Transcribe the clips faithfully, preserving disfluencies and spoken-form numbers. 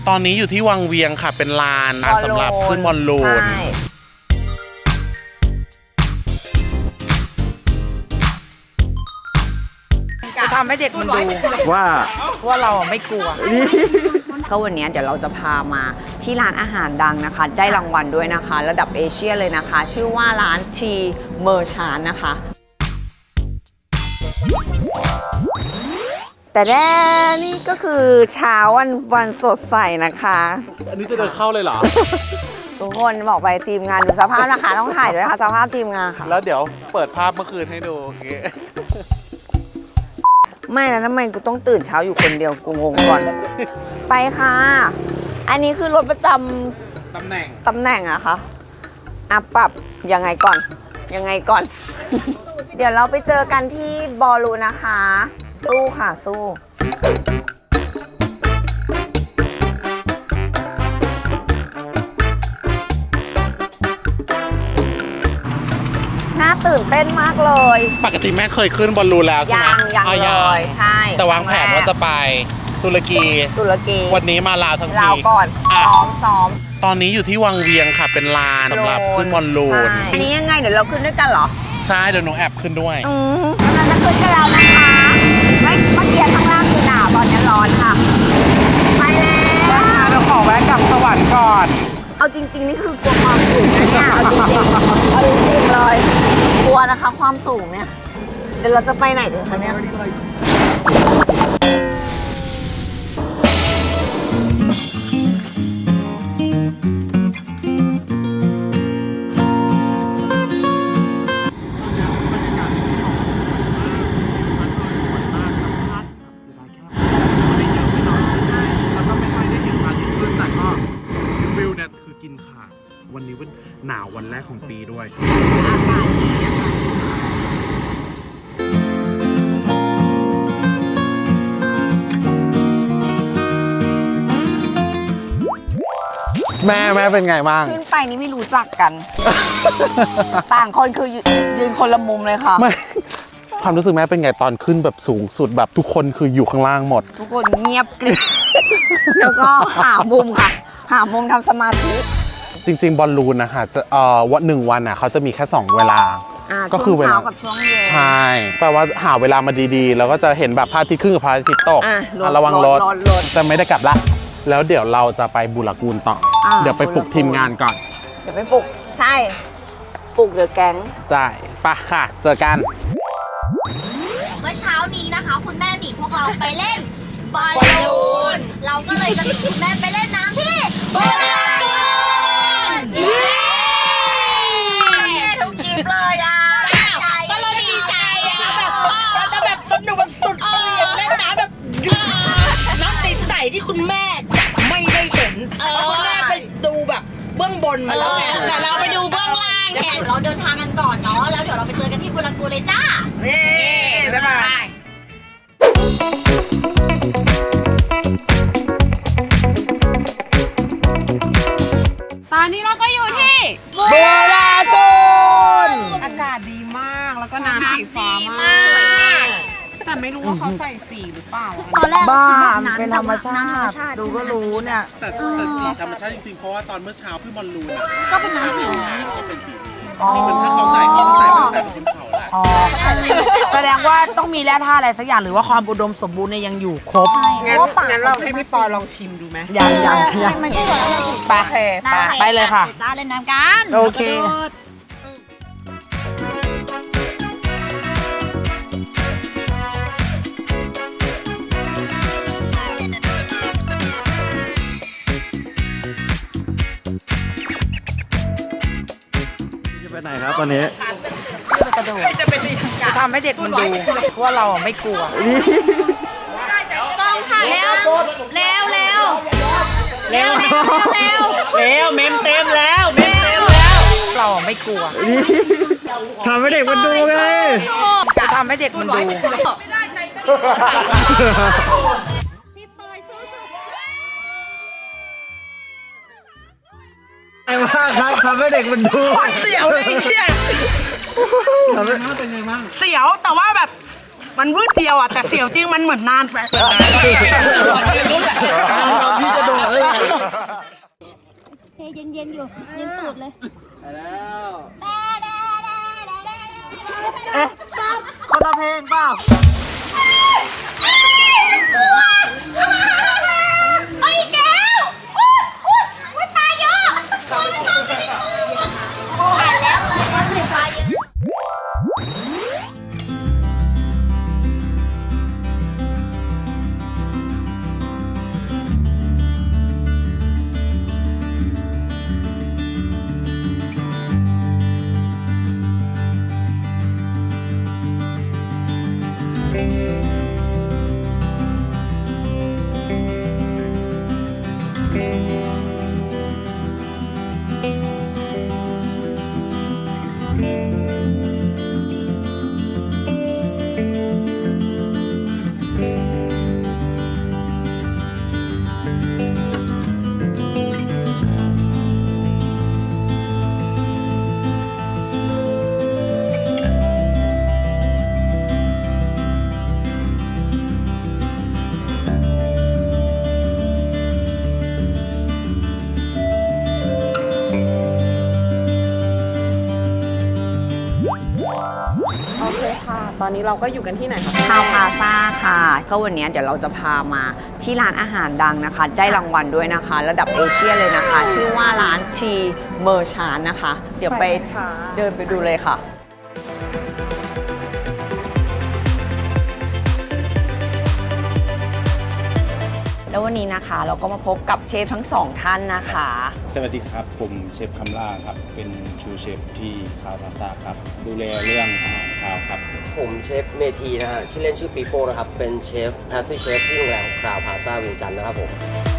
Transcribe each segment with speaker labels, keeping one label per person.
Speaker 1: ตอนนี้อยู่ที่วังเวียงค่ะเป็นลานสำหรับขึ้นบอลลูน
Speaker 2: จะทำให้เด็กมันดู
Speaker 3: ว่า
Speaker 2: ว่าเราไม่กลัว
Speaker 4: ก็วันนี้เดี๋ยวเราจะพามาที่ร้านอาหารดังนะคะได้รางวัลด้วยนะคะระดับเอเชียเลยนะคะชื่อว่าร้านทีเมอร์ชานนะคะแต่แน่นี่ก็คือเช้าวันวันสดใสนะคะ
Speaker 1: อันนี้จะเดินเข้าเลยเหรอ
Speaker 4: ทุกคนบอกไปทีมงานดูสภาพนะคะต้องถ่ายด้วยค่ะสภาพทีมงานค่ะ
Speaker 1: แล้วเดี๋ยวเปิดภาพเมื่อคืนให้ดูอย่างงี้
Speaker 4: ไม่นะทำไมกูต้องตื่นเช้าอยู่คนเดียวกูงงก่อนไปค่ะอันนี้คือรถประจ
Speaker 1: ำตำแหน่ง
Speaker 4: ตำแหน่งอะคะอ่ะปรับยังไงก่อนยังไงก่อน เดี๋ยวเราไปเจอกันที่บอลลูนนะคะสู้ค่ะสู้น่าตื่นเต้นมากเลย
Speaker 1: ปกติแม่เคยขึ้นบอลลูนแล้วใช่ไหม
Speaker 4: ยังยังเลยใช่
Speaker 1: แต่วางแผนว่าจะไปตุรกี
Speaker 4: ตุรกี
Speaker 1: วันนี้มาลาวทั้งที
Speaker 4: ลาวก่อนซ้อมซ้อม
Speaker 1: ตอนนี้อยู่ที่วังเวียงค่ะเป็นลานสำหรับขึ้นบอลลูน
Speaker 4: อันนี้ยังไงเดี๋ยวเราขึ้นด้วยกันเหรอ
Speaker 1: ใช่เดี๋ยวหนูแอบขึ้นด้วย
Speaker 4: อืมเราจะขึ้นกันแล้วนะคะไม่เมื่อกี้ข้างล่างคือหนาวตอนนี้ร้อนค่ะไปแล้ว
Speaker 2: เราขอแวะกลับสวรรค์ก่อน
Speaker 4: เอาจริงๆนี่คือกลัวความสูงนะเนี่ยเอาจริงๆเอาจริงๆเลยกลัวนะคะความสูงเนี่ยเดี๋ยวเราจะไปไหนกันคะเนี่ย
Speaker 1: วันนี้เป็นหนาววันแรกของปีด้วย
Speaker 4: อากาศดี
Speaker 1: แม่แม่เป็นไงบ้าง
Speaker 4: ขึ้นไปนี่ไม่รู้จักกัน ต่างคนคือยืนคนละมุมเลยค่ะ
Speaker 1: ไม่ความรู้สึกแม่เป็นไงตอนขึ้นแบบสูงสุดแบบทุกคนคืออยู่ข้างล่างหมด
Speaker 4: ทุกคนเงียบกริบแล้วก็หามุมค่ะหามุมทำสมาธิ
Speaker 1: จริงๆบอลลูนนะคะจะเอ่อวันหนึ่งวันอ่ะเขาจะมีแค่สองเวลา
Speaker 4: ก็คือเวลากับช่วงเย็น
Speaker 1: ใช่แปลว่าหาเวลามาดีๆแล้วก็จะเห็นแบบพระอาทิตย์ขึ้นกับพระอาทิตย์ตกระวังรถจะไม่ได้กลับละแล้วเดี๋ยวเราจะไปบูรากูลต่อเดี๋ยวไปปลุกทีมงานก่อน
Speaker 4: เดี๋ยวไปปลุกใช่ปลุกเดอะแก๊ง
Speaker 1: ได้ปะค่ะเจอกัน
Speaker 5: เมื่อเช้านี้นะคะคุณแม่หนีพวกเราไปเล่นบอลลูนเราก็เลยจะหนีคุณแม่ไปเล่นน้ำที่บอลลูนเย้
Speaker 4: ทุกคลิปเลยอ่ะ
Speaker 5: ก็เราดีใจอ่ะแบบ
Speaker 2: เราจะแบบสนุกแบบสุดเหวี่ยงเล่นน้ำแบบน้ำตีใสที่คุณแม่ไม่ได้เห็นคุณแม่ไปดูแบบเบื้องบนมาแล้วไง
Speaker 5: แต่เราไปดูเบื้องล่างแทนเราเดินทางกันก่อนเนาะแล้วเดี๋ยวเราไปเจอกันที่บูรากูลเลยจ้า
Speaker 2: เย้บ๊ายบาย
Speaker 5: ตอนนี้เราก็อยู่ที่
Speaker 2: บูรากูลอากาศดีมากแล้วก็น้ำสีฟ้ามากแต่ไม่รู้ว่าเขาใส่สีหรือเปล่า
Speaker 5: ตอนแรก
Speaker 2: บ้า
Speaker 4: เป็นธรรมชาติดูก็รู้เนี่ย
Speaker 1: แต่แต่สีธรรมชาติจริงๆเพราะว่าตอนเมื่อเช้าพี่บอลลูน
Speaker 5: ก็เป็นน้ำสี
Speaker 1: ก็เป็นสีเป็นถ้าเขาใส่เขาใส่ตั้งแต่บนเขาแหละ
Speaker 2: แสดงว่าต้องมีแร่ธาตุอะไรสักอย่างหรือว่าความอุดมสมบูรณ์เนี่ยยังอยู่ครบงั้นงั้นเราให้พี่ปอลองชิมดูไหมยังยังยังไปไปไปเลยค่ะ
Speaker 5: จ้าเล่นน้ำกัน
Speaker 2: โอเค
Speaker 3: ไปไหนครับตอนนี้
Speaker 2: จะกระโดดจะทำให้เด็กมันดูว่าเราไม่กลัว
Speaker 5: ต้องค่ะเร็วเร็วเร็วเร็วเร็วเร็ว
Speaker 2: เร็วเมมเต็มแล้วเมมเต็มแล้วเราไม่กลัว
Speaker 3: ทำให้เด็กมันดูไง
Speaker 2: จะทำให้เด็กมันดู
Speaker 3: ไงบ้างครับทำให้เด็กมันดู
Speaker 2: เสียวเลยเชี่ย
Speaker 3: ทำให้เป็นไงบ้าง
Speaker 2: เสียวแต่ว่าแบบมันวืดเดียวอ่ะแต่เสียวจริงมันเหมือนนานไป
Speaker 3: พี่จะโดดเลย
Speaker 6: เย็นๆอยู่เย็นตูดเลย
Speaker 3: ไปแล้ว
Speaker 2: เอ๊ะคนละเพลงเปล่า
Speaker 5: ไปแก้วอุ๊ยอุ๊ยอุ๊ยปลาเยอะปลาเข้าไปในตู้ผ่านแล้วเลยปลาเยอะ
Speaker 2: โอเคค่ะ ตอนนี้เราก็อยู่กันที่ไหนคะ
Speaker 4: คาวพาซ่าค่ะก็วันนี้เดี๋ยวเราจะพามาที่ร้านอาหารดังนะคะ ได้รางวัลด้วยนะคะ ระดับเอเชียเลยนะคะ ชื่อว่าร้านทีเมอร์ชานนะคะ เดี๋ยวไปเดินไปดูเลยค่ะ แล้ววันนี้นะคะเราก็มาพบกับเชฟทั้งสองท่านนะคะ
Speaker 7: สวัสดีครับ ผมเชฟคำล่าครับ เป็นชูเชฟที่คาวพาซ่าครับ ดูแลเรื่องอาหารคาวครับ
Speaker 8: ผมเชฟเมทีนะฮะชื่อเล่นชื่อปีโป้นะครับ เป็นเชฟแพสตี้เชฟที่โรงแรมคราวพาซาเวียงจันทร์นะครับผม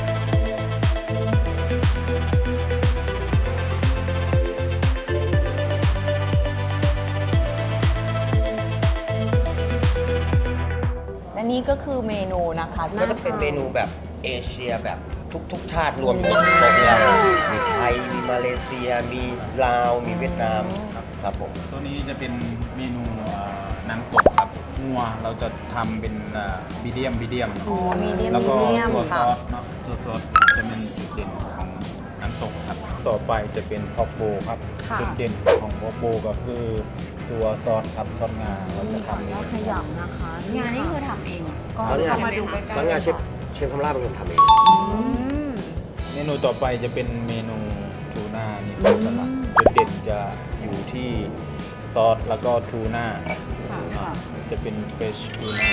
Speaker 4: และนี่ก็คือเมนูนะคะที่
Speaker 8: ก็จะเป็นเมนูแบบเอเชียแบบทุกๆ ชาติรวมอยู่ในโต๊ะนี้แล้วมีไทย มีมาเลเซีย มีลาว มีเวียดนามครับผม
Speaker 7: ตัวนี้จะเป็นเมนูเอ่อน้ำตกครับงัวเราจะทำเป็นบีเดียมบีเดียม
Speaker 4: อ๋อมีเดียม
Speaker 7: แล้วก็
Speaker 4: มีเดียม
Speaker 7: ตัวซ
Speaker 4: ค่ะ
Speaker 7: อสเนาะตัวซอสจะเป็นจุดเด่นของน้ำตกครับ ต่อไปจะเป็นพอกโบครับ จุดเด่นของพอกโบก็คือตัวซอสครับซอสงาเราจะทำเอง
Speaker 4: ขยำนะคะ งานนี้คือทำเองเหรอ
Speaker 2: ก็
Speaker 8: ซอสงา
Speaker 2: เข้ามาดูใกล้ๆ
Speaker 8: ซอสงาเชฟเชฟคำล่าเป็นคนทำเอง
Speaker 7: เมนูต่อไปจะเป็นเมนูทูน่านิซอสสลัดจุดเด่นจะอยู่ที่ซอสแล้วก็ทูน่าจะเป็นเฟชทูน่า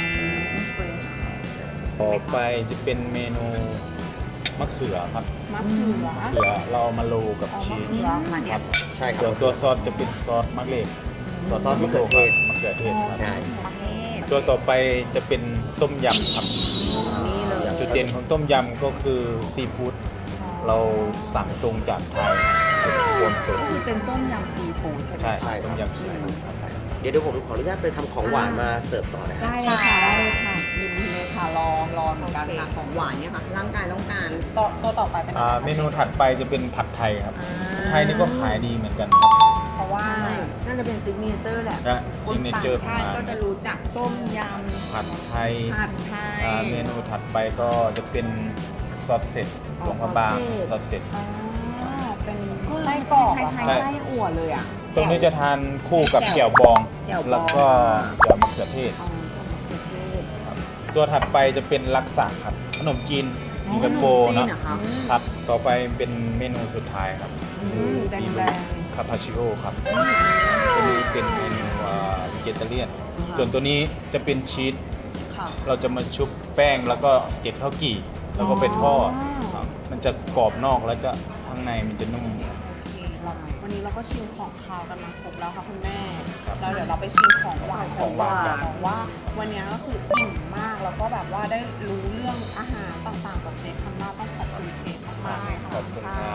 Speaker 7: ต่อไปจะเป็นเมนูมะเขือครับ
Speaker 2: มะเขือ
Speaker 7: มะเขือเรามาโรยกับชีสครับ
Speaker 8: ใช่ครั
Speaker 7: ส่ว
Speaker 8: บ
Speaker 7: นตัวซอสจะเป็นซอสมะเขือ
Speaker 8: ซอสมะเขือเทศ
Speaker 7: มะเขือเทศครับ
Speaker 8: ใช่
Speaker 7: ตัวต่อไปจะเป็นต้มยำครับจุดเด่นของต้มยำก็คือซีฟู้ดเราสั่งตรงจากไทยรวมสด
Speaker 4: คือเป็นต้มยำซีฟู้ดใช่ไหม
Speaker 7: ใช่
Speaker 8: ใช่
Speaker 7: ต้มยำซีฟู้ดครับ
Speaker 8: เดี๋ยวเดี๋ยวผมขออนุญาตไปทำของหวานมาเสิร์ฟต่อนะฮะ
Speaker 4: ได้เลยค่ะได้เลยค่ะยินดีเลยค่ะรอรอเหมือนกันค่ะของหวานเนี่ยค่ะร่างกายต้องการ
Speaker 2: ตัวตัวต่อไปเป็น
Speaker 7: อ่าเมนูถัดไปจะเป็นผัดไทยครับผัดไทยนี่ก็ขายดีเหมือนกันครับ
Speaker 2: เพราะว่า
Speaker 4: น่าจะเป็นซิกเนเจอร์แหละ
Speaker 7: และซิกเนเจอร์ของ
Speaker 4: ชาติ
Speaker 7: ร้าน
Speaker 4: ก็จะรู้จักต้มย
Speaker 7: ผัดไทย
Speaker 4: ำผัดไทย
Speaker 7: อ่าเมนูถัดไปก็จะเป็นซอสเสร็จหลวงพระบางซอสเสร็จ
Speaker 2: อ๋อเป็น
Speaker 4: ก็
Speaker 2: ไส้
Speaker 4: ไส้
Speaker 2: ก
Speaker 4: ก
Speaker 2: ร
Speaker 4: ร
Speaker 2: อ
Speaker 4: อก ก
Speaker 2: เหรอ
Speaker 4: คล้าย
Speaker 2: คะ
Speaker 4: ๆไส้อั่วเลยอ่ะ
Speaker 7: ตรงนี้จะทานคู่กับ
Speaker 4: แจ่
Speaker 7: แจ่
Speaker 4: ว
Speaker 7: วบอง
Speaker 4: แจ่วบอง
Speaker 7: แล้วก็แจ่วมะเขือเทศ
Speaker 4: อ๋อจะมะเขือเทศ
Speaker 7: ตัวถัดไปจะเป็นลักษะครับขนมจีนสิงคโปร์
Speaker 4: ขนมจีน
Speaker 7: เนาะ
Speaker 4: เหรอคะ
Speaker 7: ครับต่อไปเป็นเมนูสุดท้ายครับ
Speaker 2: แดง
Speaker 7: คาปาชิโอครับตัวนี้เป็นเมนูวิเจเตเลียนส่วนตัวนี้จะเป็นชีส
Speaker 4: ค่ะ
Speaker 7: เราจะมาชุบแป้งแล้วก็เจ็ดข้าวกี่ แล้วก็ไปทอดครับมันจะกรอบนอกแล้วจะข้างในมันจะนุ่ม
Speaker 2: วันนี้เราก็ชิมของคาวกันมาครบแล้วค่ะคุณแม่
Speaker 7: ครับ
Speaker 2: แล้วเดี๋ยวเราไปชิมของหวาน
Speaker 7: ของหวาน
Speaker 2: กันบอกว่าวันนี้ก็คืออิ่มมากแล้วก็แบบว่าได้รู้เรื่องอาหารต่างๆจากเชฟคำล่าต้องขอบคุณเชฟมากๆเลยค่ะ
Speaker 7: ขอบคุณครับ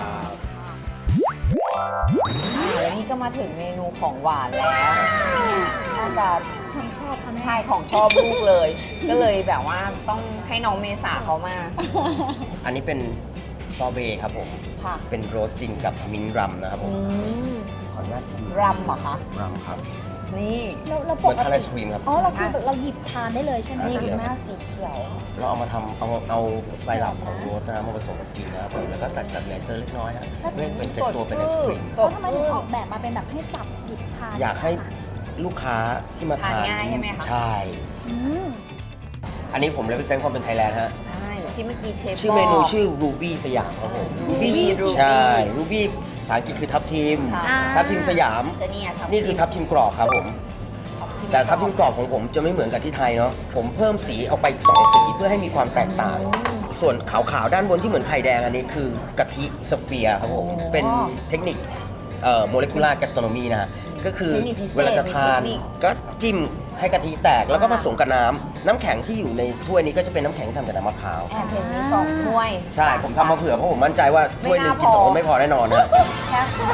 Speaker 4: อ่าแล้วนี่ก็มาถึงเมนูของหวานแล้วเนี่ยน่าจะของชอบเขาใช่ของชอบลูกเลย ก็เลยแบบว่าต้องให้น้องเมษาเขามา
Speaker 8: อันนี้เป็นซอเบต์ครับผม
Speaker 4: ค่ะ
Speaker 8: เป็นโรสติ้งกับมิ้นท์รัมนะครับผม
Speaker 4: อืม
Speaker 8: ขออนุญาตชิม
Speaker 4: รัมเหรอคะ
Speaker 8: รัมครับ
Speaker 4: นี่
Speaker 6: เราเรา
Speaker 8: เห
Speaker 6: ป
Speaker 8: มือน
Speaker 6: ก
Speaker 8: ทานไอ
Speaker 6: ติ
Speaker 8: ศครีมครับ
Speaker 6: อ๋อเราคือแบบเราหยิบทานได้เลยใช่ไหม
Speaker 4: นี่
Speaker 6: คะ
Speaker 4: คุณแม่สีเขียว
Speaker 8: เราเอามาทำเอาเอาไซรัปของโรสนะมาผสมกับจริงนะครับผมแล้วก็ใส่สแตนเลเซอร์เล็กน้อยฮะเพื่อให้เป็นเซตตัวเป็นไอศครีม
Speaker 6: แล้วทำไมถึงออกแบบมาเป็นแบบให้จับหยิบทาน
Speaker 8: อยากให้ลูกค้าที่มาทาน
Speaker 4: ทานง่ายใช่ไหมคะ
Speaker 8: ใช่
Speaker 6: อืม
Speaker 8: อันนี้ผมเลยเป็นเซนความเป็นไทยแลนด์ฮะ
Speaker 4: ใช่ที่เมื่อกี้เชฟ
Speaker 8: ชื่อเมนู
Speaker 4: บก
Speaker 8: ชื่อ Ruby สยามครับผม
Speaker 4: Ruby Ruby
Speaker 8: ใช่ Ruby ภาษาอังกฤษคือทับทิม
Speaker 4: ค่ะ
Speaker 8: ทับทิมสยาม
Speaker 4: แต่เนี่ยทับทิม
Speaker 8: นี่คือทับทิมกรอบครับผม แต่ทับทิมกรอบของผมจะไม่เหมือนกับที่ไทยเนาะ ผมเพิ่มสีเอาไปอีกสองสีเพื่อให้มีความแตกต่าง ส่วนขาวๆด้านบนที่เหมือนไข่แดงอันนี้คือกะทิสเฟียร์ครับผม เป็นเทคนิคเอ่อโมเลกุลาร์แกสโทรโนมีนะฮะ ก็คือ
Speaker 4: เทคนิคพิเศษ
Speaker 8: เวลาจะทาน
Speaker 4: มีเทคนิค
Speaker 8: ก็จิ้มให้กะทิแตกแล้วก็ผสมกับน้ำน้ำแข็งที่อยู่ในถ้วยนี้ก็จะเป็นน้ำแข็งที่ทำจากน้ำมะพร้าว
Speaker 4: แอบเห็นมีสองถ้วย
Speaker 8: ใช่ ผมทำมาเผื่อเพราะผมมั่นใจว่าถ้วยหนึ่ง
Speaker 4: ไม่
Speaker 8: กิน
Speaker 4: น่า
Speaker 8: สอง
Speaker 4: พอ
Speaker 8: คนไม่พอแน่นอนนะ
Speaker 4: แค่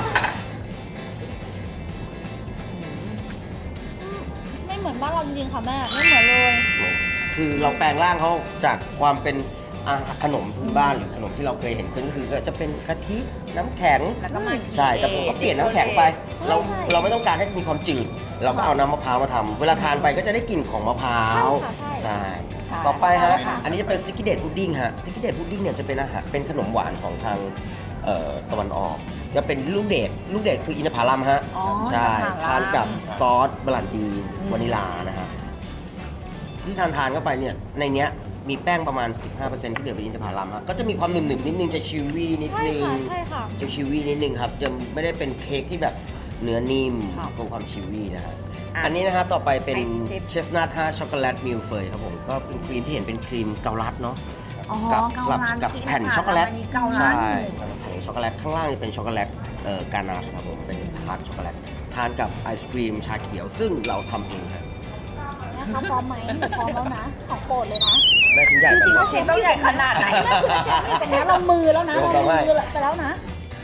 Speaker 6: ไม่เหมือนบ้านเราจริงๆค่ะแม่ไม่เหมือนเลย
Speaker 8: คือเราแปลงร่างเขาจากความเป็นอาหารขนมพื้นบ้านหรือขนมที่เราเคยเห็นขึ้นก็คือก็จะเป็นกะทิน้ำแข็ง
Speaker 4: แล้วก็มา
Speaker 8: ใช่แต่ผมก็เปลี่ยนน้ำแข็งไป
Speaker 6: ใช่
Speaker 8: เรา
Speaker 6: ใช่
Speaker 8: เราไม่ต้องการให้มีความจืด เราก็เอาน้ำมะพร้าวมาทำเวลาทานไปก็จะได้กลิ่นของมะพร้าว
Speaker 6: ใช่ค่ะใช่
Speaker 8: ใช่
Speaker 4: ค่ะ
Speaker 8: ต่อไปฮะ
Speaker 4: ค่ะ
Speaker 8: อันนี้จะเป็นสติกกี้เดทพุดดิ้งฮะสติกกี้เดทพุดดิ้งเนี่ยจะเป็นอาหารเป็นขนมหวานของทางเอ่อตะวันออก จะเป็นลูกเดทลูกเดทคืออินทผลัมฮะ
Speaker 4: อ๋อ
Speaker 8: ใช่
Speaker 4: อินทผลัม
Speaker 8: ทานกับซอสบรันดีวานิลานะฮะ ที่ทานทานเข้าไปเนี่ยในเนี้ยมีแป้งประมาณ สิบห้าเปอร์เซ็นต์ ที่เหลือเป็นอินทผลัมฮะก็จะมีความหนึบๆนิดนึงจะชิววี่นิด
Speaker 6: ใช่
Speaker 8: นึง
Speaker 6: ค่ะใช่ค่ะ
Speaker 8: จะชิววี่นิดนึงครับจะไม่ได้เป็นเค้กที่แบบเนื้อนิ่มคงความชิววี่นะฮะ
Speaker 4: อ่ะ
Speaker 8: อันนี้นะฮะต่อไปเป็น
Speaker 4: ไอจิ๊บ
Speaker 8: เชสนัทฮะช็อกโกแลตมิลเฟยครับผมก็เป็นครีมที่เห็นเป็นครีมเกาลัดเนาะ
Speaker 4: อ๋อ
Speaker 8: กั
Speaker 4: เกา
Speaker 8: สลับ
Speaker 4: ลัด
Speaker 8: กับ
Speaker 4: ที่
Speaker 8: แผ่น
Speaker 4: ผ่าน
Speaker 8: ช็อกโกแลต
Speaker 4: มานี่เกาลัด
Speaker 8: ใช่แผ่นช็อกโกแลตข้างล่างนี่เป็นช็อกโกแลตเอ่อกานาชครับผมเป็นทาร์ตช็อกโกแลตทานกับไอศครีมชาเขียว ซึ่งเราทำเองครับ
Speaker 6: นะคะพร้อมไหมหนูพร้อมแล้วนะ ของโปรดเลยนะ
Speaker 8: แม่ชิ้นใหญ่
Speaker 6: จริงๆ
Speaker 8: แต่
Speaker 6: แล้ว
Speaker 8: ว่า
Speaker 6: เช
Speaker 4: เชฟต้องใหญ่ขนาดไหน
Speaker 6: แม่คือเชฟนี่จากนี้เรามือแล้วนะ เรามือไปแล้วนะ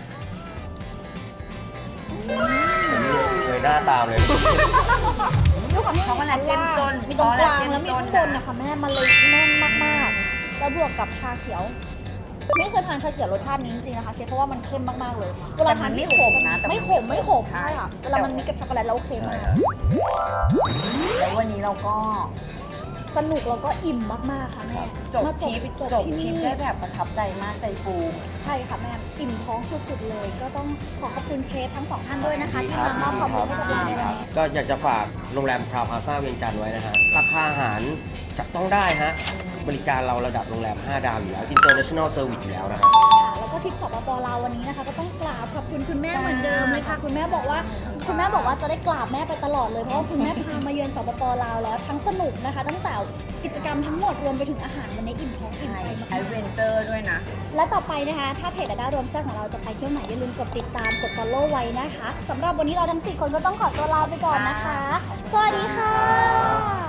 Speaker 8: เลยหน้าตามเลย
Speaker 6: ด้วยความที่
Speaker 4: ช็อกโกแลตเจ้มจน
Speaker 6: มีตรงกลาง
Speaker 4: ช็อกโกแลตเจ้ม
Speaker 6: แล้วมี
Speaker 4: จน
Speaker 6: ข้างบนนะคะแม่มันเลยแน่นมากๆ แล้วบวกกับชาเขียวไม่เคยทานชาเขียวรสชาตินี้จริงๆนะคะเชฟเพราะว่ามันเข้มมากๆเลยเวลาทาน
Speaker 4: แต่มันไม่ขมนะแต่มัน
Speaker 6: ไม่ขมไม่ขม
Speaker 4: ใช่
Speaker 6: ใช่ค่ะเวลามันมีกับช็อกโกแลตแล้วโอเคมาก
Speaker 4: แล้ววันนี้เราก็
Speaker 6: สนุกแล้วก็อิ่มมากๆค่ะแม่
Speaker 4: จบ
Speaker 6: มา
Speaker 4: ทริปจบทริปได้แบบประทับใจมากใจฟู
Speaker 6: ใช่ค่ะแม่อิ่มท้องสุดๆเลย ก็ต้องขอขอบคุณเชฟทั้งสองท่านด้วยนะคะที่มามอบความรู้ให้กับเราในวันนี้
Speaker 8: ก็อยากจะฝากโรงแรมพราวพลาซ่าเวียงจันทร์ไว้นะฮะ ราคาอาหารจับต้องได้ฮะ บริการเราระดับโรงแรม ห้า ดาวอยู่แล้ว International Service อยู่แล้วนะฮะ
Speaker 6: ค่ะแล้วก็ทริปสปปลาววันนี้นะคะก็ต้องกราบขอบคุณคุณแม่เหมือนเดิมเลยค่ะ คุณแม่บอกว่าคุณแม่บอกว่าจะได้กราบแม่ไปตลอดเลยเพราะว่าคุณแม่พามาเยือนสปปลาวแล้วทั้งสนุกนะคะ ตั้งแต่กิจกรรมทั้งหมดรวมไปถึงอาหารวันนี้อิ่มท้องอิ่ม
Speaker 4: ใช่
Speaker 6: ใจ
Speaker 4: ไอ
Speaker 6: มาก
Speaker 4: เวนเจอร์ด้วยนะ
Speaker 6: ๆและต่อไปนะคะ ถ้าเพจดาด้ารวมแซ่บของเราจะไปเที่ยวไหนอย่าลืมกดติดตามกด follow ไว้นะคะสำหรับวันนี้เราทั้งสี่คนก็ต้องขอตัวลาไปก่อนนะคะ สวัสดีค่ะ